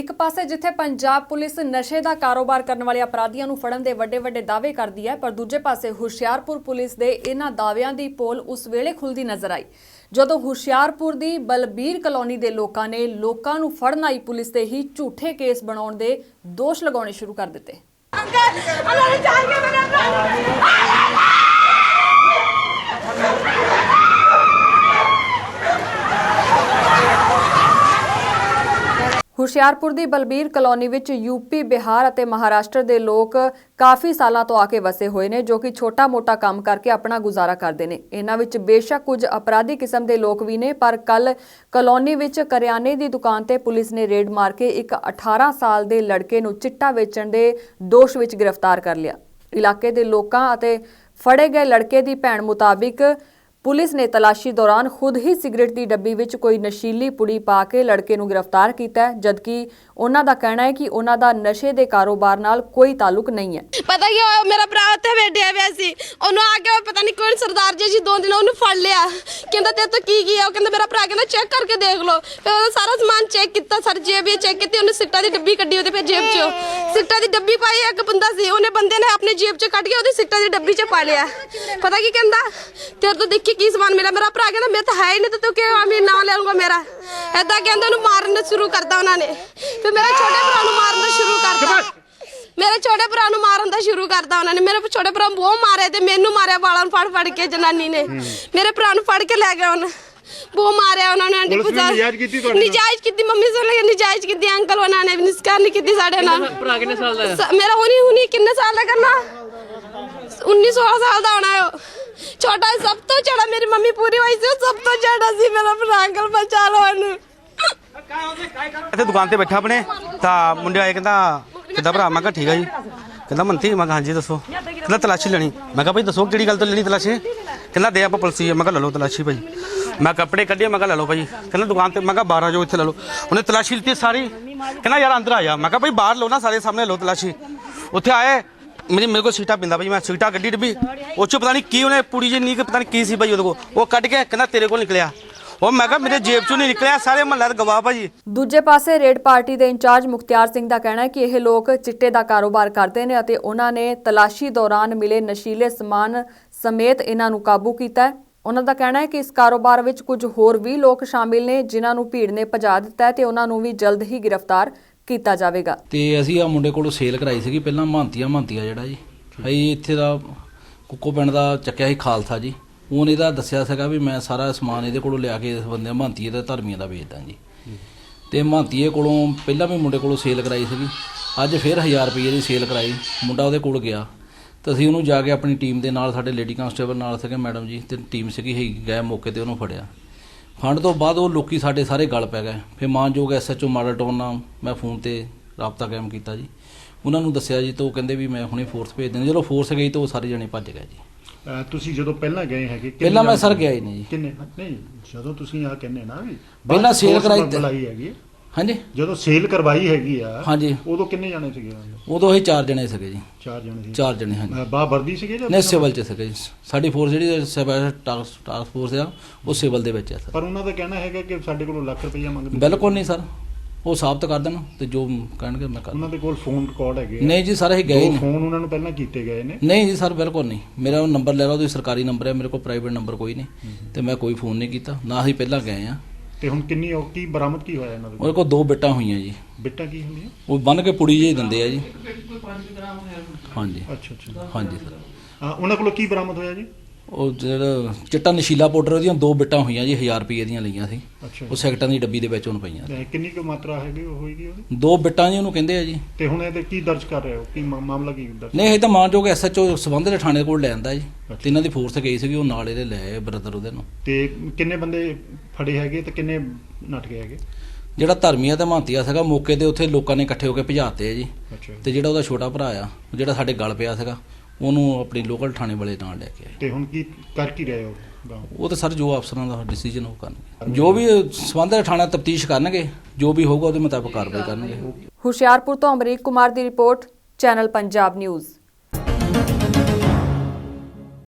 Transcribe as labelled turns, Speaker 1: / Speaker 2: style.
Speaker 1: ਇੱਕ ਪਾਸੇ ਜਿੱਥੇ ਪੰਜਾਬ ਪੁਲਿਸ ਨਸ਼ੇ ਦਾ ਕਾਰੋਬਾਰ ਕਰਨ ਵਾਲੇ ਅਪਰਾਧੀਆਂ ਨੂੰ ਫੜਨ ਦੇ ਵੱਡੇ ਦਾਅਵੇ ਕਰਦੀ ਹੈ, ਪਰ ਦੂਜੇ ਪਾਸੇ ਹੁਸ਼ਿਆਰਪੁਰ ਪੁਲਿਸ ਦੇ ਇਹਨਾਂ ਦਾਅਵਿਆਂ ਦੀ ਪੋਲ ਉਸ ਵੇਲੇ ਖੁੱਲਦੀ ਨਜ਼ਰ ਆਈ ਜਦੋਂ ਹੁਸ਼ਿਆਰਪੁਰ ਦੀ ਬਲਬੀਰ ਕਲੋਨੀ ਦੇ ਲੋਕਾਂ ਨੇ ਲੋਕਾਂ ਨੂੰ ਫੜਨ ਆਈ ਪੁਲਿਸ ਤੇ ਹੀ ਝੂਠੇ ਕੇਸ ਬਣਾਉਣ ਦੇ ਦੋਸ਼ ਲਗਾਉਣੇ ਸ਼ੁਰੂ ਕਰ ਦਿੱਤੇ। ਹੁਸ਼ਿਆਰਪੁਰ ਦੀ ਬਲਬੀਰ ਕਲੋਨੀ ਵਿੱਚ यूपी बिहार ਅਤੇ ਮਹਾਰਾਸ਼ਟਰ ਦੇ ਲੋਕ ਕਾਫੀ ਸਾਲਾਂ ਤੋਂ ਆ ਕੇ ਵਸੇ ਹੋਏ ਨੇ ਜੋ ਕਿ ਛੋਟਾ-ਮੋਟਾ ਕੰਮ ਕਰਕੇ ਆਪਣਾ ਗੁਜ਼ਾਰਾ ਕਰਦੇ ਨੇ। ਇਹਨਾਂ ਵਿੱਚ ਬੇਸ਼ੱਕ ਕੁਝ ਅਪਰਾਧੀ ਕਿਸਮ ਦੇ ਲੋਕ ਵੀ ਨੇ, ਪਰ ਕੱਲ ਕਲੋਨੀ ਵਿੱਚ ਕਰਿਆਨੇ ਦੀ ਦੁਕਾਨ ਤੇ ਪੁਲਿਸ ਨੇ ਰੇਡ ਮਾਰ ਕੇ ਇੱਕ 18 ਸਾਲ ਦੇ ਲੜਕੇ ਨੂੰ ਚਿੱਟਾ ਵੇਚਣ ਦੇ ਦੋਸ਼ ਵਿੱਚ ਗ੍ਰਿਫਤਾਰ ਕਰ ਲਿਆ। ਇਲਾਕੇ ਦੇ ਲੋਕਾਂ ਅਤੇ ਫੜੇ ਗਏ ਲੜਕੇ ਦੀ ਭੈਣ ਮੁਤਾबिक पुलिस ने तलाशी दौरान खुद ही सिगरेट की डब्बी विच कोई नशीली पुड़ी पा के लड़के नूं गिरफ्तार किया है, जबकि उन्हां दा कहना है कि उन्हां दा नशे दे कारोबार नाल कोई ताल्लुक नहीं है।
Speaker 2: पता क्या होया, मेरा भरा उत्थे बैठिया होया सी, ओनू आके पता नहीं कौन सरदार जी 2 दिन ओनू फड़ लिया, कहंदा ते तो की है, कहंदा मेरा भरा कहंदा चेक करके देख लो। फिर ओदा सारा सामान चेक किया, सारी जेब चेक की, ओने सिगरेटां दी डब्बी कड्डी, ओदे फिर जेब चो सिगरेटां दी डब्बी पाई। एक बंदा सी, ओने बंदे ने अपनी जेब च कड्ड के ओदी सिगरेटां दी डब्बी च पा लिया। पता की कहंदा तेरे तो देखी की सामान मिला। मेरा भरा कहंदा मैं तो है ही नहीं, तो तू क्यों मैं नाम ले लूंगा मेरा, ऐदा कहंदा ओनू मारना शुरू करता उन्होंने। फिर मेरे छोटे भरा नूं मारना शुरू करता, मेरे छोटे भरा नूं मारन दा शुरू करता उन्होंने। मेरे छोटे भरा बहुत मारे ते मैनू मारिया वालों फड़ के जनानी ने मेरे भरा नूं फड़ के लै गए उन्हें, बहुत मारिया उन्होंने। निजायज की मम्मी से लगे निजायज की अंकल उन्होंने निस्कार नहीं की साढ़े नाल। मेरा हुनी किन्ने साल का करना 19-16 साल का होना है। छोटा सब तो चढ़ा, मेरी मम्मी पूरी हुई सी, सब तो चढ़ा सी मेरा भरा, अंकल बचा लो उन्हें।
Speaker 3: ਇੱਥੇ ਦੁਕਾਨ ਤੇ ਬੈਠਾ ਆਪਣੇ ਤਾਂ ਮੁੰਡੇ ਆਏ, ਕਹਿੰਦਾ ਕਿੱਦਾਂ ਭਰਾ? ਮੈਂ ਕਿਹਾ ਠੀਕ ਆ ਜੀ। ਕਹਿੰਦਾ ਮੰਤੀ? ਮੈਂ ਕਿਹਾ ਹਾਂਜੀ ਦੱਸੋ। ਕਹਿੰਦਾ ਤਲਾਸ਼ੀ ਲੈਣੀ। ਮੈਂ ਕਿਹਾ ਭਾਈ ਦੱਸੋ ਕਿਹੜੀ ਗੱਲ ਤੋਂ ਲੈਣੀ ਤਲਾਸ਼ੀ? ਕਹਿੰਦਾ ਦੇ ਆਪਾਂ ਪੁਲਿਸ। ਮੈਂ ਕਿਹਾ ਲੈ ਲਓ ਤਲਾਸ਼ੀ ਭਾਈ। ਮੈਂ ਕੱਪੜੇ ਕੱਢੇ, ਮੈਂ ਕਿਹਾ ਲੈ ਲਓ ਭਾਈ। ਕਹਿੰਦਾ ਦੁਕਾਨ ਤੇ, ਮੈਂ ਕਿਹਾ 12 ਜੋ ਇੱਥੇ ਲੈ ਲਓ। ਉਹਨੇ ਤਲਾਸ਼ੀ ਲਿੱਤੀ ਸਾਰੀ। ਕਹਿੰਦਾ ਯਾਰ ਅੰਦਰ ਆ ਜਾ। ਮੈਂ ਕਿਹਾ ਭਾਈ ਬਾਹਰ ਲਓ ਨਾ, ਸਾਰੇ ਸਾਹਮਣੇ ਲਓ ਤਲਾਸ਼ੀ। ਉੱਥੇ ਆਏ, ਮੇਰੇ ਕੋਲ ਸੀਟਾਂ ਪਿੰਦਾ ਭਾਈ, ਮੈਂ ਸੀਟਾਂ ਕੱਢੀ ਡੱਬੀ, ਉਹ 'ਚੋਂ ਪਤਾ ਨਹੀਂ ਕੀ ਉਹਨੇ ਪੂੜੀ ਜਿਹੀ ਨਹੀਂ, ਪਤਾ ਨਹੀਂ ਕੀ ਸੀ ਭਾਈ ਉਹਦੇ ਕੋਲ, ਉਹ ਕੱਢ ਕੇ ਕਹਿੰਦਾ ਤੇਰੇ ਕੋਲ ਨਿਕਲਿਆ। ਉਹ ਮੈਂ ਕਿਹਾ ਮੇਰੇ ਜੇਬ 'ਚੋਂ ਨਹੀਂ ਨਿਕਲਿਆ, ਸਾਰੇ ਮਹੱਲੇ ਦਾ ਗਵਾਹ ਭਾਜੀ।
Speaker 1: ਦੂਜੇ ਪਾਸੇ ਰੇਡ ਪਾਰਟੀ ਦੇ ਇੰਚਾਰਜ ਮੁਖਤਿਆਰ ਸਿੰਘ ਦਾ ਕਹਿਣਾ ਹੈ ਕਿ ਇਹ ਲੋਕ ਚਿੱਟੇ ਦਾ ਕਾਰੋਬਾਰ ਕਰਦੇ ਨੇ ਅਤੇ ਉਹਨਾਂ ਨੇ ਤਲਾਸ਼ੀ ਦੌਰਾਨ ਮਿਲੇ ਨਸ਼ੀਲੇ ਸਮਾਨ ਸਮੇਤ ਇਹਨਾਂ ਨੂੰ ਕਾਬੂ ਕੀਤਾ ਹੈ। ਉਹਨਾਂ ਦਾ ਕਹਿਣਾ ਹੈ ਕਿ ਇਸ ਕਾਰੋਬਾਰ ਵਿੱਚ ਕੁਝ ਹੋਰ ਵੀ ਲੋਕ ਸ਼ਾਮਿਲ ਨੇ ਜਿਨ੍ਹਾਂ ਨੂੰ ਭੀੜ ਨੇ ਭਜਾ ਦਿੱਤਾ ਹੈ ਤੇ ਉਹਨਾਂ ਨੂੰ ਵੀ ਜਲਦ ਹੀ ਗ੍ਰਿਫਤਾਰ ਕੀਤਾ ਜਾਵੇਗਾ।
Speaker 4: ਤੇ ਅਸੀਂ ਆ ਮੁੰਡੇ ਕੋਲੋਂ ਸੇਲ ਕਰਾਈ ਸੀਗੀ ਪਹਿਲਾਂ, ਮਹਾਂਤੀਆ ਜਿਹੜਾ ਜੀ ਅਸੀਂ ਇੱਥੇ ਦਾ ਕੁੱਕੋ ਪਿੰਡ ਦਾ ਚੱਕਿਆ ਸੀ ਖਾਲਸਾ ਜੀ। ਉਹਨੇ ਇਹਦਾ ਦੱਸਿਆ ਸੀਗਾ ਵੀ ਮੈਂ ਸਾਰਾ ਸਮਾਨ ਇਹਦੇ ਕੋਲੋਂ ਲਿਆ ਕੇ ਇਸ ਬੰਦੇ ਮਹਾਂਤੀਏ ਤੇ ਧਰਮੀਆਂ ਦਾ ਵੇਚਦਾ ਜੀ। ਤੇ ਮਹਾਂਤੀਏ ਕੋਲੋਂ ਪਹਿਲਾਂ ਵੀ ਮੁੰਡੇ ਕੋਲੋਂ ਸੇਲ ਕਰਾਈ ਸੀਗੀ, ਅੱਜ ਫਿਰ 1000 ਰੁਪਏ ਦੀ ਸੇਲ ਕਰਾਈ। ਮੁੰਡਾ ਉਹਦੇ ਕੋਲ ਗਿਆ ਤਾਂ ਅਸੀਂ ਉਹਨੂੰ ਜਾ ਕੇ ਆਪਣੀ ਟੀਮ ਦੇ ਨਾਲ, ਸਾਡੇ ਲੇਡੀ ਕਾਂਸਟੇਬਲ ਨਾਲ ਸੀਗੇ ਮੈਡਮ ਜੀ ਤੇ ਟੀਮ ਸੀਗੀ, ਗਏ ਮੌਕੇ ਤੇ ਉਹਨੂੰ ਫੜਿਆ। ਫੰਡ ਤੋਂ ਬਾਅਦ ਉਹ ਲੋਕੀ ਸਾਡੇ ਸਾਰੇ ਗਲ ਪੈ ਗਏ। ਫਿਰ ਮਾਨਯੋਗ SHO ਮਾਡਲ ਟਾਊਨ ਨਾਲ ਮੈਂ ਫੋਨ ਤੇ ਰਾਬਤਾ ਕਾਇਮ ਕੀਤਾ ਜੀ, ਉਹਨਾਂ ਨੂੰ ਦੱਸਿਆ ਜੀ, ਤਾਂ ਉਹ ਕਹਿੰਦੇ ਵੀ ਮੈਂ ਹੁਣੇ ਫੋਰਸ ਭੇਜ ਦਿੰਦਾ। ਜਦੋਂ ਫੋਰਸ ਗਈ ਤਾਂ ਉਹ ਸਾਰੇ ਜਣੇ ਭੱਜ ਗਏ ਜੀ।
Speaker 5: ਤੁਸੀਂ ਜਦੋਂ ਪਹਿਲਾਂ ਗਏ ਹੈਗੇ?
Speaker 4: ਪਹਿਲਾਂ ਮੈਂ ਸਰ ਗਿਆ ਹੀ ਨਹੀਂ ਜੀ।
Speaker 5: ਕਿੰਨੇ? ਨਹੀਂ, ਜਦੋਂ ਤੁਸੀਂ ਆ ਕਹਿੰਦੇ ਨਾ ਵੀ
Speaker 4: ਪਹਿਲਾਂ ਸੇਲ ਕਰਾਈ
Speaker 5: ਹੈਗੀ,
Speaker 4: ਹਾਂਜੀ
Speaker 5: ਜਦੋਂ ਸੇਲ ਕਰਵਾਈ ਹੈਗੀ ਆ,
Speaker 4: ਹਾਂਜੀ,
Speaker 5: ਉਦੋਂ ਕਿੰਨੇ ਜਾਣੇ ਸੀਗੇ?
Speaker 4: ਉਦੋਂ ਅਸੀਂ 4 ਜਣੇ ਸੀਗੇ ਜੀ।
Speaker 5: 4 ਜਣੇ ਸੀ?
Speaker 4: 4 ਜਣੇ, ਹਾਂਜੀ।
Speaker 5: ਬਾਹ ਵਰਦੀ ਸੀਗੇ ਜਾਂ
Speaker 4: ਨਹੀਂ, ਸਿਵਲ ਚ ਸੀਗੇ ਜੀ। ਸਾਡੀ ਫੋਰਸ ਜਿਹੜੀ ਟਾਸਕ ਫੋਰਸ ਆ ਉਹ ਸਿਵਲ ਦੇ ਵਿੱਚ ਆ ਸਰ।
Speaker 5: ਪਰ ਉਹਨਾਂ ਦਾ ਕਹਿਣਾ ਹੈਗਾ ਕਿ ਸਾਡੇ ਕੋਲੋਂ ਲੱਖ ਰੁਪਈਆ ਮੰਗਦੇ।
Speaker 4: ਬਿਲਕੁਲ ਨਹੀਂ ਸਰ, ਉਹ ਸਾਬਤ ਕਰ ਦੇਣ ਤੇ ਜੋ ਕਹਿਣਗੇ ਮੈਂ ਕਰ।
Speaker 5: ਉਹਨਾਂ ਦੇ ਕੋਲ ਫੋਨ ਰਿਕਾਰਡ ਹੈਗੇ?
Speaker 4: ਨਹੀਂ ਜੀ ਸਰ, ਅਸੀਂ ਗਏ ਨਹੀਂ।
Speaker 5: ਫੋਨ ਉਹਨਾਂ ਨੂੰ ਪਹਿਲਾਂ ਕੀਤੇ ਗਏ ਨੇ?
Speaker 4: ਨਹੀਂ ਜੀ ਸਰ, ਬਿਲਕੁਲ ਨਹੀਂ। ਮੇਰਾ ਉਹ ਨੰਬਰ ਲੈ ਲਓ, ਉਹਦੀ ਸਰਕਾਰੀ ਨੰਬਰ ਹੈ, ਮੇਰੇ ਕੋਲ ਪ੍ਰਾਈਵੇਟ ਨੰਬਰ ਕੋਈ ਨਹੀਂ ਤੇ ਮੈਂ ਕੋਈ ਫੋਨ ਨਹੀਂ ਕੀਤਾ, ਨਾ ਅਸੀਂ ਪਹਿਲਾਂ ਗਏ ਆ।
Speaker 5: ਤੇ ਹੁਣ ਕਿੰਨੀ ਕੀ ਬਰਾਮਦ ਕੀ ਹੋਇਆ ਇਹਨਾਂ ਦੇ?
Speaker 4: ਉਹਦੇ ਕੋਲ 2 ਬਿੱਟਾਂ ਹੋਈਆਂ ਜੀ।
Speaker 5: ਬਿੱਟਾਂ ਕੀ ਹੁੰਦੀਆਂ?
Speaker 4: ਉਹ ਬੰਨ ਕੇ ਪੁੜੀ ਜਿਹੀ ਦਿੰਦੇ ਆ ਜੀ। ਹਾਂਜੀ।
Speaker 5: ਅੱਛਾ।
Speaker 4: ਹਾਂਜੀ ਸਰ।
Speaker 5: ਉਹਨਾਂ ਕੋਲੋਂ ਕੀ ਬਰਾਮਦ ਹੋਇਆ ਜੀ?
Speaker 4: ਉਹ ਜਿਹੜਾ ਚਿੱਟਾ ਨਸ਼ੀਲਾ ਪਾਊਡਰ, ਉਹਦੀਆਂ 2 ਬਿੱਟਾਂ ਹੋਈਆਂ ਜੀ, 1000 ਰੁਪਏ ਦੀਆਂ ਲਈਆਂ ਸੀ। ਉਹ ਸੈਕਟਾਂ ਦੀ ਡੱਬੀ ਦੇ ਵਿੱਚ ਉਹਨੂੰ ਪਈਆਂ।
Speaker 5: ਕਿੰਨੀ ਕੁ ਮਾਤਰਾ ਹੈਗੀ ਉਹ ਹੋਏਗੀ ਉਹਦੀ?
Speaker 4: 2 ਬਿੱਟਾਂ ਜੀ ਉਹਨੂੰ ਕਹਿੰਦੇ ਆ ਜੀ।
Speaker 5: ਤੇ ਹੁਣ ਇਹਦੇ ਕੀ ਦਰਜ ਕਰ ਰਹੇ ਹੋ? ਕੀ ਮਾਮਲਾ ਕੀ ਦਰਜ?
Speaker 4: ਨਹੀਂ, ਇਹ ਤਾਂ ਮਾਨਯੋਗ SHO ਸੰਬੰਧ ਦੇ ਥਾਣੇ ਕੋਲ ਲੈ ਆਂਦਾ ਜੀ, ਤੇ ਇਹਨਾਂ ਦੀ ਫੋਰਸ ਗਈ ਸੀਗੀ, ਉਹ ਨਾਲ ਇਹਦੇ ਲੈ ਆਏ ਬ੍ਰਦਰ ਉਹਦੇ ਨੂੰ।
Speaker 5: ਤੇ ਕਿੰਨੇ ਬੰਦੇ ਫੜੇ ਹੈਗੇ ਤੇ ਕਿੰਨੇ ਨੱਠ ਗਏ ਹੈਗੇ?
Speaker 4: ਜਿਹੜਾ ਧਰਮੀਆ ਤੇ ਮਹਾਂਤੀਆ ਸੀਗਾ ਮੌਕੇ ਤੇ ਉੱਥੇ ਲੋਕਾਂ ਨੇ ਇਕੱਠੇ ਹੋ ਕੇ ਭਜਾਤੇ ਆ ਜੀ। ਤੇ ਜਿਹੜਾ ਉਹਦਾ ਛੋਟਾ ਭਰਾ ਆ, ਜਿਹੜਾ ਸਾਡੇ ਗਲ ਪਿਆ ਸੀਗਾ, ਉਹਨੂੰ ਆਪਣੀ ਲੋਕਲ ਥਾਣੇ ਵਾਲੇ ਨਾਲ ਲੈ ਕੇ ਆਏ।
Speaker 5: ਤੇ ਹੁਣ ਕੀ ਕਰ ਕੀ ਰਹੇ ਹੋ?
Speaker 4: ਉਹ ਤਾਂ ਸਰ ਜੋ ਅਫਸਰਾਂ ਦਾ ਡਿਸੀਜਨ ਉਹ ਕਰਨਗੇ, ਜੋ ਵੀ ਸੰਬੰਧਿਤ ਥਾਣਾ ਤਫਤੀਸ਼ ਕਰਨਗੇ, ਜੋ ਵੀ ਹੋਊਗਾ ਉਹਦੇ ਮੁਤਾਬਕ ਕਾਰਵਾਈ ਕਰਨਗੇ।
Speaker 1: ਹੁਸ਼ਿਆਰਪੁਰ ਤੋਂ ਅਮਰੀਕ ਕੁਮਾਰ ਦੀ ਰਿਪੋਰਟ, ਚੈਨਲ ਪੰਜਾਬ ਨਿਊਜ਼।